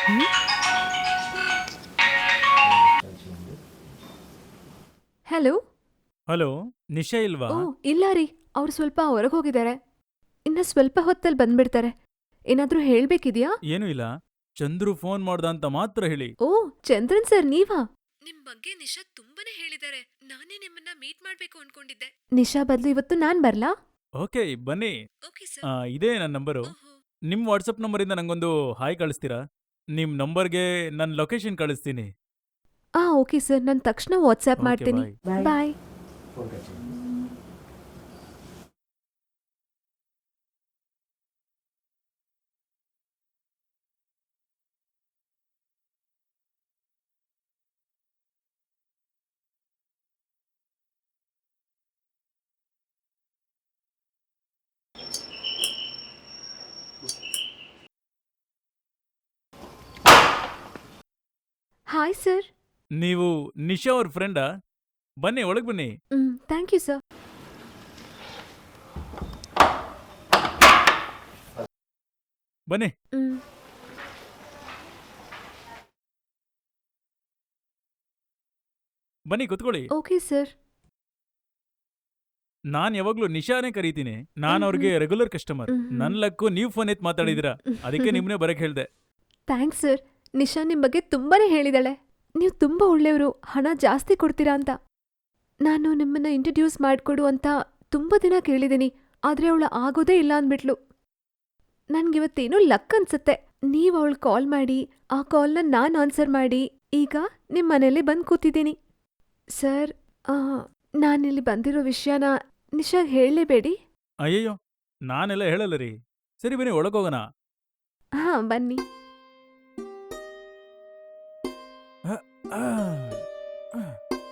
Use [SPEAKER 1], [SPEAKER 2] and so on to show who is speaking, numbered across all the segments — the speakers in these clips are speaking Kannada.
[SPEAKER 1] ಹ್ಮ್? ಹಲೋ.
[SPEAKER 2] ಹಲೋ, ನಿಶಾ ಇಲ್ವಾ?
[SPEAKER 1] ಓ ಇಲ್ಲ ರೀ, ಅವ್ರು ಸ್ವಲ್ಪ ಹೊರಗೆ ಹೋಗಿದ್ದಾರೆ. ಇನ್ನ ಸ್ವಲ್ಪ ಹೊತ್ತಲ್ಲಿ ಬಂದ್ಬಿಡ್ತಾರೆ. ಏನಾದ್ರೂ ಹೇಳ್ಬೇಕಿದ್ಯಾ?
[SPEAKER 2] ಏನೂ ಇಲ್ಲ. ಚಂದ್ರು ಫೋನ್ ಮಾಡ್ದ ಅಂತ ಮಾತ್ರ ಹೇಳಿ.
[SPEAKER 1] ಓ ಚಂದ್ರನ್ ಸರ್ ನೀವಾ? ನಿಮ್ ಬಗ್ಗೆ ನಿಶಾ ತುಂಬಾನೇ ಹೇಳಿದ್ದಾರೆ. ನಾನೇ ನಿಮ್ಮನ್ನ ಮೀಟ್ ಮಾಡ್ಬೇಕು ಅನ್ಕೊಂಡಿದ್ದೆ. ನಿಶಾ ಬದಲು ಇವತ್ತು ನಾನ್ ಬರ್ಲಾ?
[SPEAKER 2] ಓಕೆ, ಬನ್ನಿ.
[SPEAKER 1] ಓಕೆ
[SPEAKER 2] ಇದೇ ನನ್ನ ನಂಬರು. ನಿಮ್ ವಾಟ್ಸಪ್ ನಂಬರಿಂದ ನಂಗೊಂದು ಹಾಯ್ ಕಳಿಸ್ತೀರಾ? ನಿಮ್ ನಂಬರ್ಗೆ ನನ್ನ ಲೊಕೇಶನ್ ಕಳಿಸ್ತೀನಿ.
[SPEAKER 1] ಓಕೆ ಸರ್, ನಾನು ತಕ್ಷಣ ವಾಟ್ಸ್ಆ್ಯಪ್
[SPEAKER 2] ಓಕೆ,
[SPEAKER 1] ಮಾಡ್ತೀನಿ.
[SPEAKER 2] ಬಾಯ್.
[SPEAKER 1] ಬಾಯ್. Hi sir.
[SPEAKER 2] ನೀವು ನಿಶಾ ಅವ್ರ ಫ್ರೆಂಡಾ? ಬನ್ನಿ, ಒಳಗೆ ಬನ್ನಿ.
[SPEAKER 1] Thank you sir.
[SPEAKER 2] ಬನ್ನಿ. ಬನ್ನಿ, ಕುತ್ಕೊಳ್ಳಿ.
[SPEAKER 1] Okay sir.
[SPEAKER 2] ನಾನ್ ಯಾವಾಗ್ಲೂ ನಿಶಾನೇ ಕರೀತೀನಿ. ನಾನ್ ಅವ್ರಿಗೆ ರೆಗ್ಯುಲರ್ ಕಸ್ಟಮರ್. ನನ್ ಲಕ್ಕು ನೀವು ಫೋನ್ ಎತ್ ಮಾತಾಡಿದಿರಾ, ಅದಕ್ಕೆ ನಿಮ್ನೆ ಬರಕ್ ಹೇಳ್ದೆ.
[SPEAKER 1] Thanks sir. ನಿಶಾ ನಿಮ್ ಬಗ್ಗೆ ತುಂಬಾನೇ ಹೇಳಿದಾಳೆ. ನೀವು ತುಂಬಾ ಒಳ್ಳೆಯವರು, ಹಣ ಜಾಸ್ತಿ ಕೊಡ್ತೀರಾ ಅಂತ. ನಾನು ನಿಮ್ಮನ್ನ ಇಂಟ್ರೊಡ್ಯೂಸ್ ಮಾಡ್ಕೊಡು ಅಂತ ತುಂಬಾ ದಿನ ಕೇಳಿದ್ದೀನಿ, ಆದ್ರೆ ಅವಳು ಆಗೋದೇ ಇಲ್ಲ ಅಂದ್ಬಿಟ್ಲು. ನನ್ಗಿವತ್ತೇನೋ ಲಕ್ ಅನ್ಸತ್ತೆ. ನೀವ್ ಅವಳು ಕಾಲ್ ಮಾಡಿ, ಆ ಕಾಲ್ನ ನಾನ್ ಆನ್ಸರ್ ಮಾಡಿ, ಈಗ ನಿಮ್ ಮನೇಲಿ ಬಂದ್ ಕೂತಿದ್ದೀನಿ. ಸರ್, ನಾನಿಲ್ಲಿ ಬಂದಿರೋ ವಿಷಯನ ನಿಶಾಗ್ ಹೇಳಲೇಬೇಡಿ.
[SPEAKER 2] ಅಯ್ಯಯ್ಯೋ, ನಾನೆಲ್ಲ ಹೇಳಲ್ಲ ರೀ. ಸರಿ, ಬನ್ನಿ ಒಳಗೋಗೋಣ.
[SPEAKER 1] ಬನ್ನಿ.
[SPEAKER 2] ಆ, ಆ.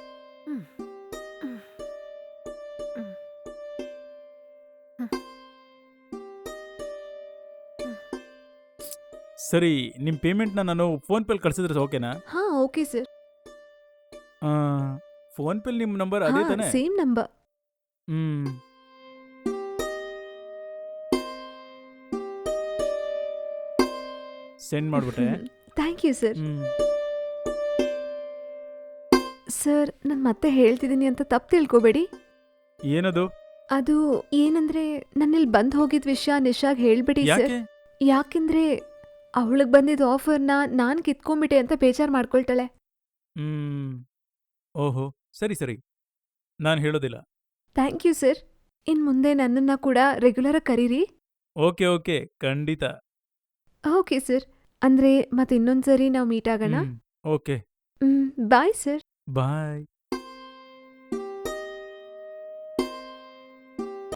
[SPEAKER 2] ಸರಿ, ನಿಮ್ ಪೇಮೆಂಟ್ನ ನಾನು ಫೋನ್ ಪೇಲ್ ಕಳ್ಸಿದ್ರೆ ಓಕೆನಾ?
[SPEAKER 1] Okay sir.
[SPEAKER 2] ಫೋನ್ ಪೇಲ್ ನಿಮ್ ನಂಬರ್ ಅದೇ ತಾನೆ?
[SPEAKER 1] Same number.
[SPEAKER 2] ಹ್ಮ್. ಸೆಂಡ್ ಮಾಡ್ಬಿಟ್ಟೆ.
[SPEAKER 1] Thank you sir.
[SPEAKER 2] Hmm.
[SPEAKER 1] Sir, ನಾನು ಮತ್ತೆ ಹೇಳ್ತಿದ್ದೀನಿ ಅಂತ ತಪ್ಪು ತಿಳ್ಕೊಬೇಡಿ.
[SPEAKER 2] ಏನದು?
[SPEAKER 1] ಅದು ಏನಂದ್ರೆ, ನನ್ನಿಲ್ಲಿ ಬಂದ್ ಹೋಗಿದ್ ವಿಷಯ ನಿಶಾಗ್ ಹೇಳ್ಬಿಡಿ ಸರ್.
[SPEAKER 2] ಯಾಕೆ?
[SPEAKER 1] ಯಾಕೆಂದ್ರೆ ಅವಳಿಗೆ ಬಂದಿದ್ದ ಆಫರ್ನ ನಾನ್ ಕಿತ್ಕೊಂಡ್ಬಿಟ್ಟೆ ಅಂತ ಬೇಜಾರ್ ಮಾಡ್ಕೊಳ್ತಾಳೆ.
[SPEAKER 2] ಹ್ಮ್. ಓಹೋ, ಸರಿ ಸರಿ, ನಾನು ಹೇಳೋದಿಲ್ಲ.
[SPEAKER 1] Thank you sir. ಇನ್ ಮುಂದೆ ನನ್ನನ್ನ ಕೂಡ ರೆಗ್ಯುಲರ್ ಆಗಿ ಕರೀರಿ.
[SPEAKER 2] ಓಕೆ ಓಕೆ, ಖಂಡಿತ.
[SPEAKER 1] Okay sir. ಅಂದ್ರೆ ಮತ್ತೆ ಇನ್ನೊಂದ್ಸರಿ ನಾವು ಮೀಟ್ ಆಗೋಣ.
[SPEAKER 2] Okay,
[SPEAKER 1] bye sir.
[SPEAKER 2] ಬಾಯ್.